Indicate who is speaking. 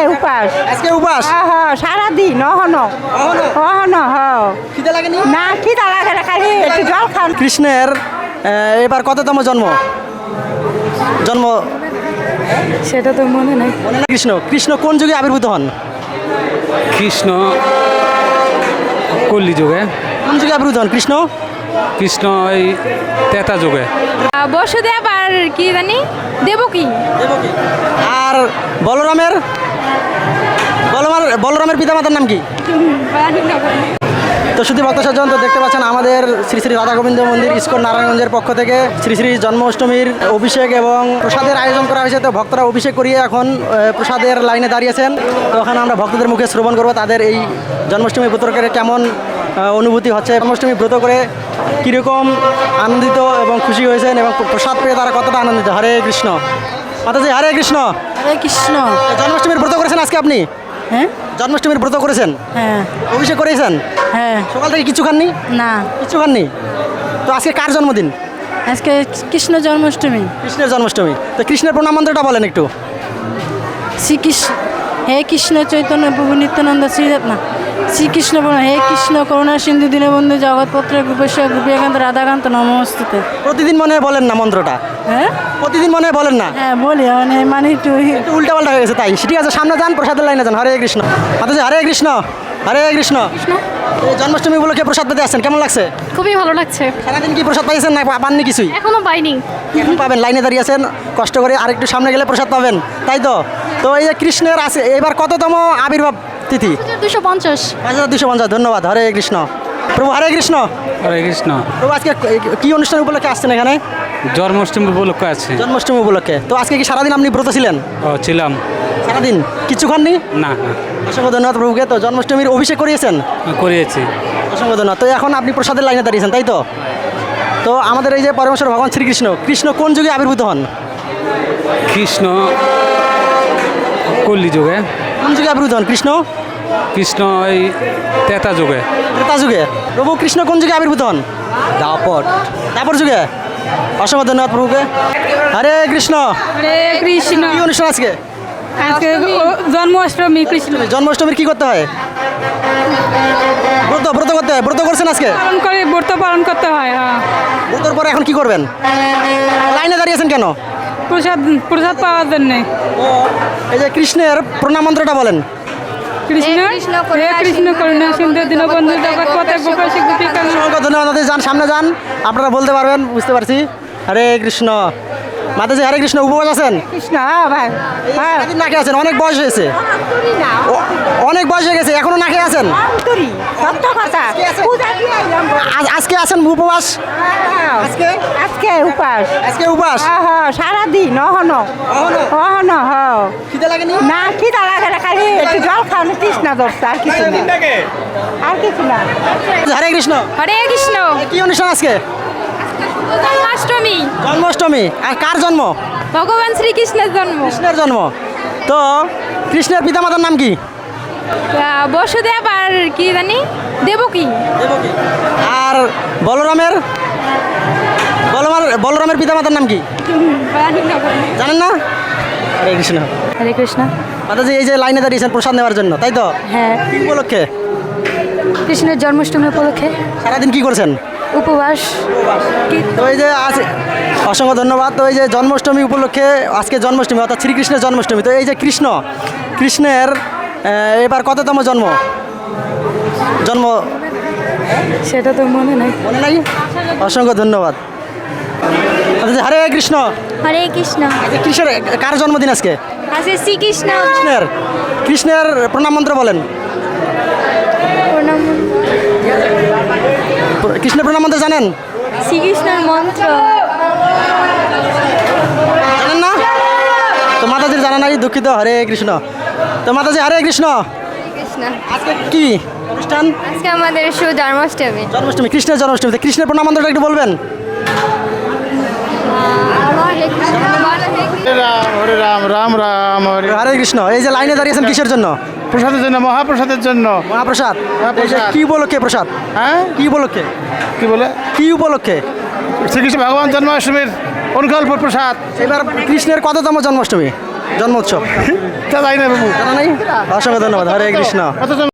Speaker 1: উপাস
Speaker 2: আজকে উপাস
Speaker 1: সারাদিন
Speaker 2: খিদে লাগেনি?
Speaker 1: না খিদা লাগে না, খালি একটু জল খান।
Speaker 2: কৃষ্ণের এবার কততম জন্ম?
Speaker 1: সেটা তো মনে নেই।
Speaker 2: মনে না? কৃষ্ণ কোন যুগে আবির্ভূত হন?
Speaker 3: কৃষ্ণ কল্লি যুগে।
Speaker 2: কোন যুগে আবির্ভূত হন কৃষ্ণ?
Speaker 3: কৃষ্ণ এই তেতা যুগে।
Speaker 4: বসুদেব আর কি জানি দেবকী।
Speaker 2: আর বলরামের পিতামাতার নাম কি? তো শুধু ভক্ত সজ্জন, তো দেখতে পাচ্ছেন আমাদের শ্রী শ্রী রাধা গোবিন্দ মন্দির ইস্কন নারায়ণগঞ্জের পক্ষ থেকে শ্রী শ্রী জন্মাষ্টমীর অভিষেক এবং প্রসাদের আয়োজন করা হয়েছে। তো ভক্তরা অভিষেক করিয়ে এখন প্রসাদের লাইনে দাঁড়িয়েছেন। তো ওখানে আমরা ভক্তদের মুখে শ্রবণ করবো তাদের এই জন্মাষ্টমী ব্রত করে কেমন অনুভূতি হচ্ছে, জন্মাষ্টমী ব্রত করে কীরকম আনন্দিত এবং খুশি হয়েছেন এবং প্রসাদ পেয়ে তারা কতটা আনন্দিত। হরে কৃষ্ণ। মাতাজি হরে কৃষ্ণ।
Speaker 1: হরে কৃষ্ণ।
Speaker 2: জন্মাষ্টমীর ব্রত করেছেন আজকে আপনি?
Speaker 1: হ্যাঁ
Speaker 2: জন্মাষ্টমীর ব্রত করেছেন?
Speaker 1: হ্যাঁ
Speaker 2: অভিষেক করেছেন?
Speaker 1: হ্যাঁ।
Speaker 2: সকাল থেকে কিছু খাননি?
Speaker 1: না
Speaker 2: কিছু খাননি। তো আজকে কার জন্মদিন?
Speaker 1: আজকে কৃষ্ণ জন্মাষ্টমী।
Speaker 2: কৃষ্ণের জন্মাষ্টমী। তো কৃষ্ণের প্রণাম মন্ত্রটা বলেন একটু।
Speaker 1: শ্রীকৃষ্ণ হে কৃষ্ণ চৈতন্য প্রভু নিত্যানন্দ শ্রীরত্না শ্রীকৃষ্ণ হে কৃষ্ণ করুণা সিন্ধু দীনবন্ধু জগৎপত্র গোপেশ্বর গোপীকান্ত রাধাকান্ত নমস্তুতে।
Speaker 2: প্রতিদিন মনে হয় বলেন না মন্ত্রটা?
Speaker 1: হ্যাঁ
Speaker 2: প্রতিদিন মনে হয় বলেন না?
Speaker 1: হ্যাঁ বলি, মানে একটু
Speaker 2: উল্টা পাল্টা হয়ে গেছে তাই। ঠিক আছে, সামনে যান, প্রসাদের লাইনে যান। হরে কৃষ্ণ। মাতাজি হরে কৃষ্ণ। হরে কৃষ্ণ। এই জন্মাষ্টমী উপলক্ষে প্রসাদ পেতে আসছেন, কেমন লাগছে?
Speaker 4: খুবই ভালো লাগছে।
Speaker 2: সারাদিন কি প্রসাদ পাইছেন না পাননি কিছুই?
Speaker 4: এখনো পাইনি।
Speaker 2: এখন পাবেন, লাইনে দাঁড়িয়ে আছেন, কষ্ট করে আরেকটু সামনে গেলে প্রসাদ পাবেন, তাই তো? তো এই যে কৃষ্ণের আছে এবার কততম আবির্ভাব তিথি?
Speaker 4: 250।
Speaker 2: 5250। ধন্যবাদ। হরে কৃষ্ণ। প্রভু হরে কৃষ্ণ।
Speaker 3: হরে কৃষ্ণ।
Speaker 2: প্রভু আজকে কি অনুষ্ঠান উপলক্ষে আসছেন এখানে?
Speaker 3: জন্মাষ্টমী উপলক্ষ আছে।
Speaker 2: জন্মাষ্টমী উপলক্ষে। তো আজকে কি সারাদিন আপনি ব্রত ছিলেন?
Speaker 3: ছিলাম।
Speaker 2: সারাদিন কিছু খাননি?
Speaker 3: না না,
Speaker 2: অসংখ্য ধন্যবাদ প্রভুকে। তো জন্মাষ্টমীর অভিষেক করিয়েছেন?
Speaker 3: করিয়েছি।
Speaker 2: অসংখ্য ধন্যবাদ। তো এখন আপনি প্রসাদের লাইনে দাঁড়িয়েছেন, তাই তো? তো আমাদের এই যে পরমেশ্বর ভগবান কৃষ্ণ কোন যুগে আবির্ভূত হন?
Speaker 3: কৃষ্ণ কল্লি যুগে।
Speaker 2: কোন যুগে আবির্ভূত হন কৃষ্ণ?
Speaker 3: কৃষ্ণ এই তেতা যুগে।
Speaker 2: ত্রেতা যুগে। প্রভু কৃষ্ণ কোন যুগে আবির্ভূত হন? দাপর যুগে। অসংখ্য ধন্যবাদ প্রভুকে। হরে কৃষ্ণ।
Speaker 4: হরে কৃষ্ণ।
Speaker 2: কি অনুষ্ঠান আজকে?
Speaker 4: আজকে জন্মাষ্টমী। কৃষ্ণ
Speaker 2: জন্মাষ্টমীর কি করতে হয়? ব্রত করতে হয়। ব্রত করছেন আজকে?
Speaker 4: ব্রত পালন করতে হয়।
Speaker 2: ব্রতর পরে এখন কি করবেন? লাইনে দাঁড়িয়েছেন কেন?
Speaker 4: প্রসাদ পাওয়ার জন্য।
Speaker 2: এই যে কৃষ্ণের প্রণাম মন্ত্রটা বলেন।
Speaker 4: কৃষ্ণ হে কৃষ্ণ করুণা সিন্ধু দীনবন্ধু জগৎপথে গোপেশ্বর গোপীকান্ত।
Speaker 2: অসংখ্য ধন্যবাদ। যান, সামনে যান, আপনারা বলতে পারবেন, বুঝতে পারছি। হরে কৃষ্ণ। মাতাজি হরে কৃষ্ণ। উপবাস আছেন?
Speaker 1: কৃষ্ণ ভাই
Speaker 2: সারাদিন না খেয়ে আছেন? অনেক বয়স হয়েছে, অনেক বয়স হয়ে গেছে, এখনো না খেয়ে আছেন?
Speaker 1: সত্য কথা।
Speaker 2: আজকে আছেন উপবাস? আজকে
Speaker 1: আজকে উপাস সারাদিন
Speaker 2: খিদে লাগেনি?
Speaker 1: না খিদা লাগে না, খালি একটু জল খান, তৃষ্ণা ধরছে, আর কিছু না। আর কিছু না।
Speaker 2: হরে কৃষ্ণ।
Speaker 4: হরে কৃষ্ণ।
Speaker 2: কি অনুষ্ঠান আজকে?
Speaker 4: জন্মাষ্টমী।
Speaker 2: জন্মাষ্টমী। আর কার জন্ম?
Speaker 4: ভগবান শ্রীকৃষ্ণের জন্ম।
Speaker 2: কৃষ্ণের জন্ম। তো কৃষ্ণের পিতামাতার নাম কি?
Speaker 4: বসুদেব আর কি জানি দেবকী।
Speaker 2: আর বলরামের পিতামাতার নাম কি জানেন না? হরে কৃষ্ণ।
Speaker 1: হরে কৃষ্ণ।
Speaker 2: মাতাজি এই যে লাইনে দাঁড়িয়েছেন প্রসাদ নেওয়ার জন্য, তাই তো?
Speaker 1: হ্যাঁ।
Speaker 2: কি উপলক্ষে?
Speaker 1: কৃষ্ণের জন্মাষ্টমী উপলক্ষে
Speaker 2: সারাদিন কি করছেন?
Speaker 1: উপবাস।
Speaker 2: তো এই যে আজ অসংখ্য ধন্যবাদ। তো এই যে জন্মাষ্টমী উপলক্ষে আজকে জন্মাষ্টমী, অর্থাৎ শ্রীকৃষ্ণের জন্মাষ্টমী। তো এই যে কৃষ্ণের এবার কততম জন্ম?
Speaker 1: সেটা তো মনে নেই।
Speaker 2: মনে নাই? অসংখ্য ধন্যবাদ। আচ্ছা, হরে কৃষ্ণ।
Speaker 4: হরে কৃষ্ণ।
Speaker 2: কৃষ্ণের কার জন্মদিন আজকে?
Speaker 4: আজকে শ্রীকৃষ্ণ।
Speaker 2: কৃষ্ণের প্রণাম মন্ত্র বলেন। কৃষ্ণের প্রণাম মন্ত্র জানেন?
Speaker 4: শ্রীকৃষ্ণের মন্ত্র
Speaker 2: জানেন না? তো মাতাজির জানা নাই, দুঃখিত। হরে কৃষ্ণ। তো মাতাজি হরে কৃষ্ণ।
Speaker 4: কৃষ্ণ।
Speaker 2: আজকে কি অনুষ্ঠান?
Speaker 4: আজকে আমাদের
Speaker 2: জন্মাষ্টমী। কৃষ্ণের জন্মাষ্টমী। কৃষ্ণের প্রণাম মন্ত্রটা একটু বলবেন।
Speaker 5: হরে রাম রাম রাম হরে।
Speaker 2: হরে কৃষ্ণ। এই যে লাইনে দাঁড়িয়েছেন কিসের জন্য?
Speaker 5: প্রসাদের জন্য, মহাপ্রসাদের জন্য।
Speaker 2: মহাপ্রসাদ।
Speaker 5: মহাপ্রসাদ।
Speaker 2: এই যে কি উপলক্ষে প্রসাদ?
Speaker 5: হ্যাঁ,
Speaker 2: কি উপলক্ষে?
Speaker 5: কি বলে?
Speaker 2: কি উপলক্ষে?
Speaker 5: শ্রীকৃষ্ণ ভগবান জন্মাষ্টমীর অনুকল্প প্রসাদ।
Speaker 2: এবার কৃষ্ণের কততম জন্মাষ্টমী? জন্মোৎসব
Speaker 5: তা যাই না বাবু
Speaker 2: জানা নাই? অসংখ্য ধন্যবাদ। হরে কৃষ্ণ।
Speaker 5: কত জন